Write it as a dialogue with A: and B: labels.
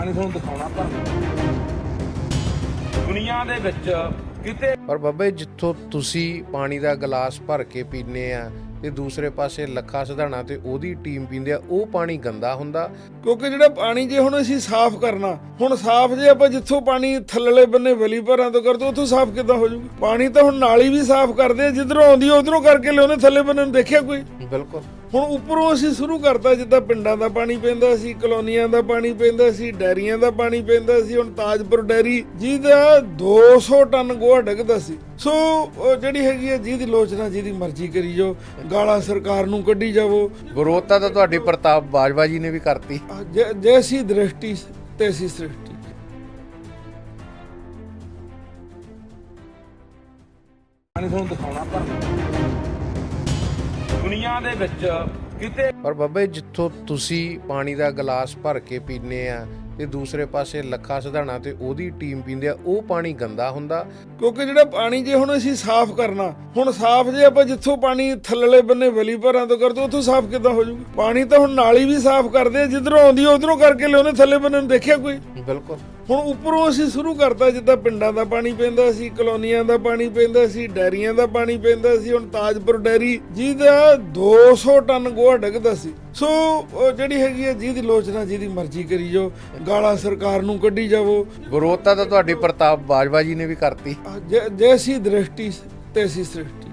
A: ਤੁਹਾਨੂੰ ਦਿਖਾਉਣਾ ਪਰ ਦੁਨੀਆ ਦੇ ਵਿੱਚ ਕਿਤੇ
B: ਪਰ ਬਾਬਾ ਜੀ ਜਿੱਥੋਂ ਤੁਸੀਂ ਪਾਣੀ ਦਾ ਗਲਾਸ ਭਰ ਕੇ ਪੀਂਦੇ ਆ ਤੇ ਦੂਸਰੇ ਪਾਸੇ ਲੱਖਾ ਸਿਧਾਣਾ ਤੇ ਉਹਦੀ ਟੀਮ ਪੀਂਦੇ ਆ, ਉਹ ਪਾਣੀ ਗੰਦਾ ਹੁੰਦਾ।
C: ਕਿਉਂਕਿ ਜਿਹੜਾ ਪਾਣੀ ਜੇ ਹੁਣ ਅਸੀਂ ਸਾਫ਼ ਕਰਨਾ, ਹੁਣ ਸਾਫ਼ ਜੇ ਆਪਾਂ ਜਿੱਥੋਂ ਪਾਣੀ ਥੱਲੜੇ ਬੰਨੇ ਵਲੀ ਭਰਾਂ ਤੋਂ ਕਰਦੇ ਉੱਥੋਂ ਸਾਫ਼ ਕਿੱਦਾਂ ਹੋ ਜਾਊਗਾ? ਪਾਣੀ ਤਾਂ ਹੁਣ ਨਾਲੀ ਵੀ ਸਾਫ਼ ਕਰਦੇ ਆ, ਜਿੱਧਰੋਂ ਆਉਂਦੀ ਉਧਰੋਂ ਕਰਕੇ ਲਿਆਉਂਦੇ, ਥੱਲੇ ਬੰਨੇ ਨੂੰ ਦੇਖਿਆ ਕੋਈ?
B: ਬਿਲਕੁਲ।
C: ਹੁਣ ਉੱਪਰੋਂ ਅਸੀਂ ਸ਼ੁਰੂ ਕਰਤਾ, ਜਿੱਦਾਂ ਪਿੰਡਾਂ ਦਾ ਪਾਣੀ ਪੈਂਦਾ ਸੀ, ਕਲੋਨੀਆਂ ਦਾ ਪਾਣੀ ਪੈਂਦਾ ਸੀ, ਡੈਰੀਆਂ ਦਾ ਪਾਣੀ ਪੈਂਦਾ ਸੀ। ਹੁਣ ਤਾਜਪੁਰ ਡੈਰੀ ਜਿਹਦਾ 200 ਟਨ ਗੋਹਾ ਡਿੱਗਦਾ ਸੀ। ਸੋ ਜਿਹੜੀ ਹੈਗੀ ਹੈ ਜਿਹਦੀ ਲੋਚਨਾ ਜਿਹਦੀ ਮਰਜ਼ੀ ਕਰੀ ਜਾਓ, ਗਾਲਾਂ ਸਰਕਾਰ ਨੂੰ ਕੱਢੀ ਜਾਵੋ।
B: ਵਿਰੋਧਤਾ ਤਾਂ ਤੁਹਾਡੀ ਪ੍ਰਤਾਪ ਬਾਜਵਾ ਜੀ ਨੇ ਵੀ ਕਰਤੀ।
C: ਜੈਸੀ ਦ੍ਰਿਸ਼ਟੀ ਤੈਸੀ ਸ੍ਰਿਸ਼ਟੀ।
A: ਤੁਹਾਨੂੰ ਦਿਖਾਉਣਾ ਪਰ ਦੁਨੀਆ ਦੇ ਵਿੱਚ ਕਿਤੇ
B: ਪਰ ਬਾਬਾ ਜੀ ਜਿੱਥੋਂ ਤੁਸੀਂ ਪਾਣੀ ਦਾ ਗਲਾਸ ਭਰ ਕੇ ਪੀਂਦੇ ਆ ਤੇ ਦੂਸਰੇ ਪਾਸੇ ਲੱਖਾ ਸਿਧਾਣਾ ਤੇ ਉਹਦੀ ਟੀਮ ਪੀਂਦੇ ਆ, ਉਹ ਪਾਣੀ ਗੰਦਾ ਹੁੰਦਾ।
C: ਕਿਉਂਕਿ ਜਿਹੜਾ ਪਾਣੀ ਜੇ ਹੁਣ ਅਸੀਂ ਸਾਫ਼ ਕਰਨਾ, ਹੁਣ ਸਾਫ਼ ਜੇ ਆਪਾਂ ਜਿੱਥੋਂ ਪਾਣੀ ਥੱਲੜੇ ਬੰਨੇ ਵਲੀ ਭਰਾਂ ਤੋਂ ਕਰਦੇ ਉੱਥੋਂ ਸਾਫ਼ ਕਿੱਦਾਂ ਹੋ ਜਾਊਗਾ? ਪਾਣੀ ਤਾਂ ਹੁਣ ਨਾਲੀ ਵੀ ਸਾਫ਼ ਕਰਦੇ ਆ, ਜਿੱਧਰੋਂ ਆਉਂਦੀ ਉਧਰੋਂ ਕਰਕੇ ਲਿਆਉਂਦੇ, ਥੱਲੇ ਬੰਨੇ ਨੂੰ ਦੇਖਿਆ ਕੋਈ?
B: ਬਿਲਕੁਲ।
C: ਹੁਣ ਉੱਪਰੋਂ ਅਸੀਂ ਸ਼ੁਰੂ ਕਰਤਾ, ਜਿੱਦਾਂ ਪਿੰਡਾਂ ਦਾ ਪਾਣੀ ਪੈਂਦਾ ਸੀ, ਕਲੋਨੀਆਂ ਦਾ ਪਾਣੀ ਪੈਂਦਾ ਸੀ, ਡੈਰੀਆਂ ਦਾ ਪਾਣੀ ਪੈਂਦਾ ਸੀ। ਹੁਣ ਤਾਜਪੁਰ ਡੈਰੀ ਜਿਹਦਾ 200 ਟਨ ਗੋਹਾ ਡਿੱਗਦਾ ਸੀ। ਸੋ ਜਿਹੜੀ ਹੈਗੀ ਹੈ ਜਿਹਦੀ ਲੋਚਨਾ ਜਿਹਦੀ ਮਰਜ਼ੀ ਕਰੀ ਜਾਓ, ਗਾਲਾਂ ਸਰਕਾਰ ਨੂੰ ਕੱਢੀ ਜਾਵੋ।
B: ਵਿਰੋਧਤਾ ਤਾਂ ਤੁਹਾਡੀ ਪ੍ਰਤਾਪ ਬਾਜਵਾ ਜੀ ਨੇ ਵੀ ਕਰਤੀ।
C: ਜੈਸੀ ਦ੍ਰਿਸ਼ਟੀ ਤੈਸੀ ਸ੍ਰਿਸ਼ਟੀ।